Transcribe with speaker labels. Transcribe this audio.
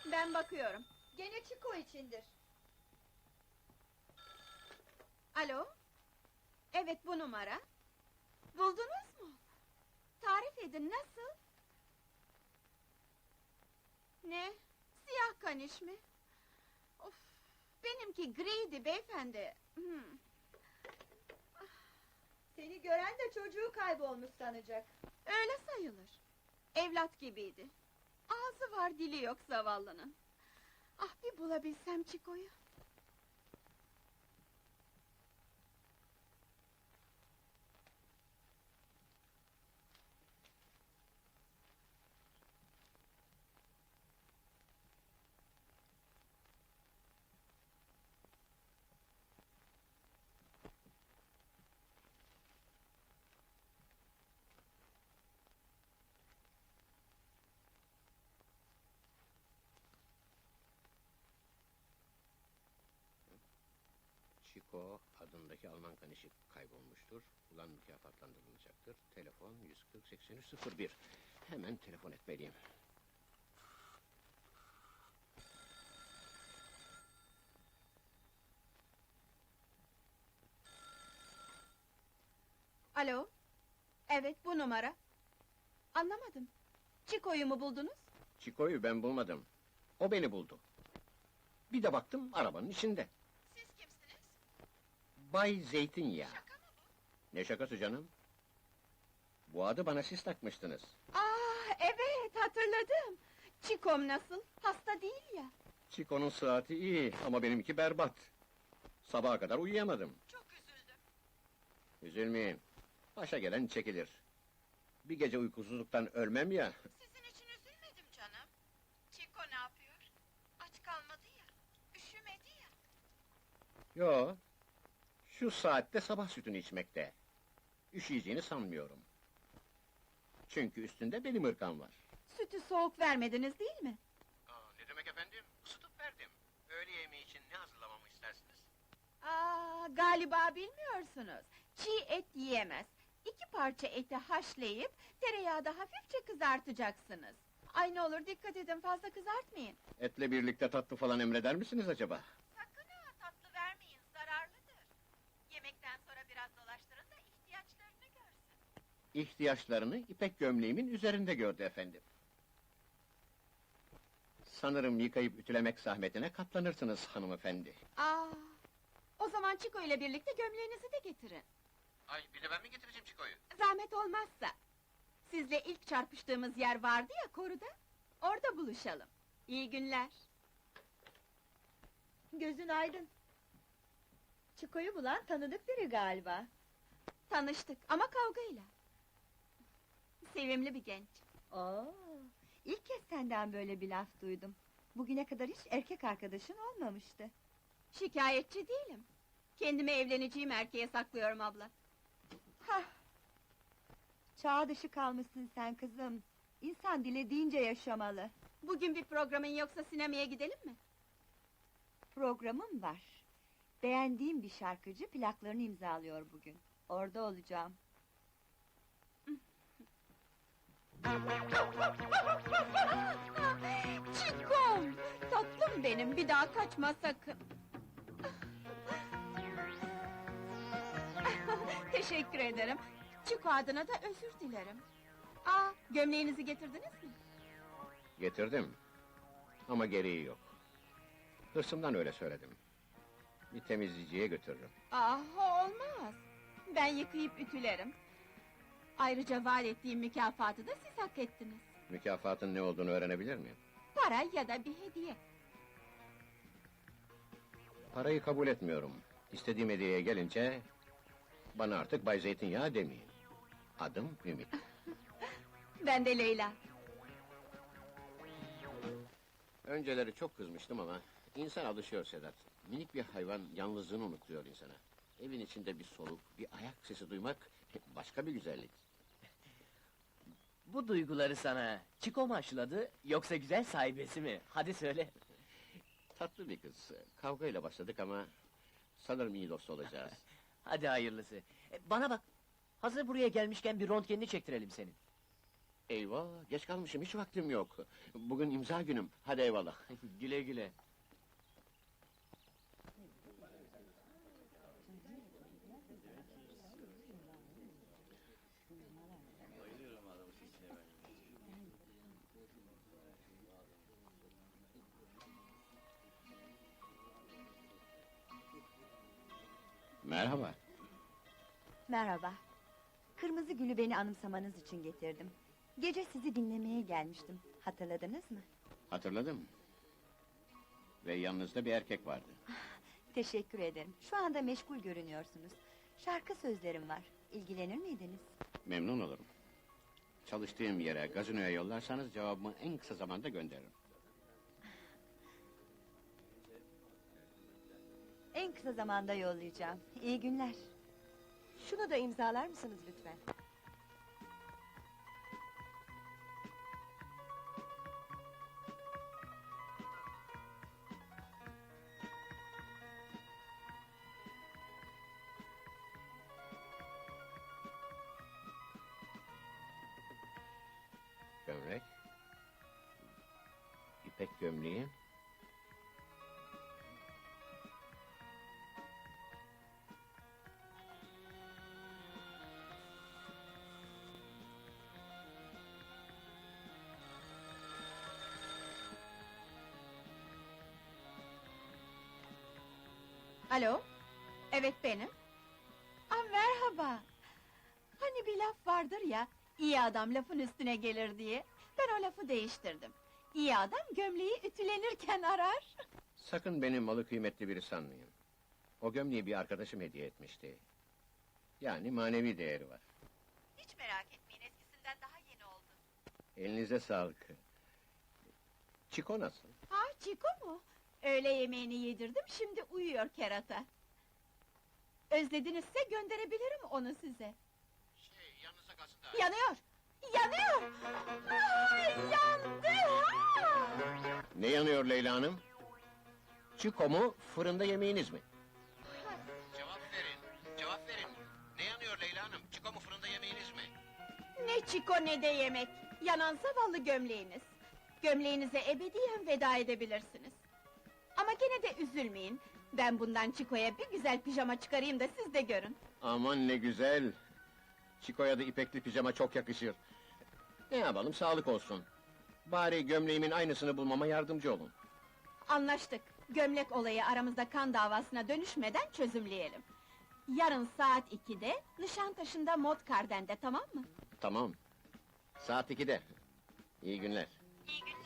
Speaker 1: Ben bakıyorum.
Speaker 2: Gene Çiko içindir.
Speaker 1: Alo? Evet, bu numara. Buldunuz mu? Tarif edin, nasıl? Ne? Siyah kaniş mi? Of! Benimki griydi beyefendi.
Speaker 2: Seni gören de çocuğu kaybolmuş sanacak.
Speaker 1: Öyle sayılır. Evlat gibiydi. Ağzı var, dili yok zavallının. Ah, bir bulabilsem Çiko'yu.
Speaker 3: Çiko adındaki Alman kanişi kaybolmuştur. Ulan mükafatlandırılacaktır. Telefon 140-83-01. Hemen telefon etmeliyim.
Speaker 1: Alo? Evet, bu numara. Anlamadım. Çiko'yu mu buldunuz?
Speaker 3: Çiko'yu ben bulmadım. O beni buldu. Bir de baktım arabanın içinde.
Speaker 1: Siz kimsiniz?
Speaker 3: Bay Zeytinyağı.
Speaker 1: Şaka mı bu?
Speaker 3: Ne şakası canım? Bu adı bana siz takmıştınız.
Speaker 1: Evet, hatırladım. Çikom nasıl? Hasta değil ya.
Speaker 3: Çiko'nun saati iyi ama benimki berbat. Sabaha kadar uyuyamadım.
Speaker 1: Çok üzüldüm.
Speaker 3: Üzülmeyin. Başa gelen çekilir. Bir gece uykusuzluktan ölmem ya.
Speaker 1: Sizin için üzülmedim canım. Çiko ne yapıyor? Aç kalmadı ya. Üşümedi ya.
Speaker 3: Yo. Şu saatte sabah sütünü içmekte. Üşüyeceğini sanmıyorum. Çünkü üstünde benim ırkam var.
Speaker 1: Sütü soğuk vermediniz değil mi?
Speaker 3: Ne demek efendim? Isıtıp verdim. Öğle yemeği için ne hazırlamamı istersiniz?
Speaker 1: Galiba bilmiyorsunuz. Çiğ et yiyemez. 2 parça eti haşlayıp tereyağda hafifçe kızartacaksınız. Ay ne olur dikkat edin, fazla kızartmayın.
Speaker 3: Etle birlikte tatlı falan emreder misiniz acaba?
Speaker 1: Sakın ha, tatlı vermeyin, zararlıdır. Yemekten sonra biraz dolaştırın da ihtiyaçlarını görsün.
Speaker 3: İhtiyaçlarını ipek gömleğimin üzerinde gördü efendim. Sanırım yıkayıp ütülemek zahmetine katlanırsınız hanımefendi.
Speaker 1: O zaman Çiko ile birlikte gömleğinizi de getirin.
Speaker 3: Ay bir de ben mi getireceğim Çiko'yu?
Speaker 1: Zahmet olmazsa. Sizle ilk çarpıştığımız yer vardı ya, koruda. Orada buluşalım. İyi günler.
Speaker 2: Gözün aydın. Çiko'yu bulan tanıdık biri galiba.
Speaker 1: Tanıştık ama kavgayla. Sevimli bir genç.
Speaker 2: Oo, ilk kez senden böyle bir laf duydum. Bugüne kadar hiç erkek arkadaşın olmamıştı.
Speaker 1: Şikayetçi değilim. Kendimi evleneceğim erkeğe saklıyorum abla.
Speaker 2: Hah! Çağ dışı kalmışsın sen kızım. İnsan dilediğince yaşamalı.
Speaker 1: Bugün bir programın yoksa sinemaya gidelim mi?
Speaker 2: Programım var. Beğendiğim bir şarkıcı plaklarını imzalıyor bugün. Orada olacağım.
Speaker 1: Çikom! Tatlım benim, bir daha kaçma sakın. Teşekkür ederim. Çiko adına da özür dilerim. Gömleğinizi getirdiniz mi?
Speaker 3: Getirdim. Ama gereği yok. Hırsımdan öyle söyledim. Bir temizleyiciye götürürüm.
Speaker 1: Olmaz. Ben yıkayıp ütülerim. Ayrıca vaat ettiğim mükafatı da siz hak ettiniz.
Speaker 3: Mükafatın ne olduğunu öğrenebilir miyim?
Speaker 1: Para ya da bir hediye.
Speaker 3: Parayı kabul etmiyorum. İstediğim hediyeye gelince... ...bana artık Bay Zeytinyağı demeyin. Adım Ümit.
Speaker 1: Ben de Leyla.
Speaker 3: Önceleri çok kızmıştım ama... ...insan alışıyor Sedat. Minik bir hayvan yalnızlığını unutuyor insana. Evin içinde bir soluk, bir ayak sesi duymak... ...başka bir güzellik.
Speaker 4: Bu duyguları sana Çiko mu aşıladı, yoksa güzel sahibesi mi? Hadi söyle.
Speaker 3: Tatlı bir kız. Kavgayla başladık ama... ...sanırım iyi dost olacağız.
Speaker 4: Hadi hayırlısı. Bana bak, hazır buraya gelmişken bir röntgenini çektirelim senin.
Speaker 3: Eyvah, geç kalmışım, hiç vaktim yok. Bugün imza günüm, hadi eyvallah.
Speaker 4: Güle güle.
Speaker 3: Merhaba.
Speaker 2: Merhaba. Kırmızı gülü beni anımsamanız için getirdim. Gece sizi dinlemeye gelmiştim. Hatırladınız mı?
Speaker 3: Hatırladım. Ve yanınızda bir erkek vardı.
Speaker 2: Teşekkür ederim. Şu anda meşgul görünüyorsunuz. Şarkı sözlerim var. İlgilenir miydiniz?
Speaker 3: Memnun olurum. Çalıştığım yere, gazinoya yollarsanız cevabımı en kısa zamanda gönderirim.
Speaker 2: En kısa zamanda yollayacağım. İyi günler.
Speaker 5: Şunu da imzalar mısınız lütfen?
Speaker 3: Gömlek. İpek gömleği.
Speaker 1: Alo? Evet benim. Merhaba. Hani bir laf vardır ya, iyi adam lafın üstüne gelir diye. Ben o lafı değiştirdim. İyi adam gömleği ütülenirken arar.
Speaker 3: Sakın beni malı kıymetli biri sanmayın. O gömleği bir arkadaşım hediye etmişti. Yani manevi değeri var.
Speaker 1: Hiç merak etmeyin, eskisinden daha yeni oldu.
Speaker 3: Elinize sağlık. Çiko nasıl?
Speaker 1: Ha, Çiko mu? Öğle yemeğini yedirdim, şimdi uyuyor kerata. Özledinizse gönderebilirim onu size.
Speaker 3: Yanınıza kalsın da.
Speaker 1: Yanıyor! Yanıyor! Yandı! Ha!
Speaker 3: Ne yanıyor Leyla Hanım? Çiko mu, fırında yemeğiniz mi? Cevap verin, cevap verin. Ne yanıyor Leyla Hanım? Çiko mu, fırında yemeğiniz mi?
Speaker 1: Ne çiko ne de yemek! Yanan zavallı gömleğiniz. Gömleğinize ebediyen veda edebilirsiniz. Ama gene de üzülmeyin. Ben bundan Çiko'ya bir güzel pijama çıkarayım da siz de görün.
Speaker 3: Aman ne güzel! Çiko'ya da ipekli pijama çok yakışır. Ne yapalım, sağlık olsun. Bari gömleğimin aynısını bulmama yardımcı olun.
Speaker 1: Anlaştık. Gömlek olayı aramızda kan davasına dönüşmeden çözümleyelim. Yarın saat 2'de Nişantaşı'nda Modkarden'de, tamam mı?
Speaker 3: Tamam. Saat 2'de. İyi günler.
Speaker 1: İyi günler.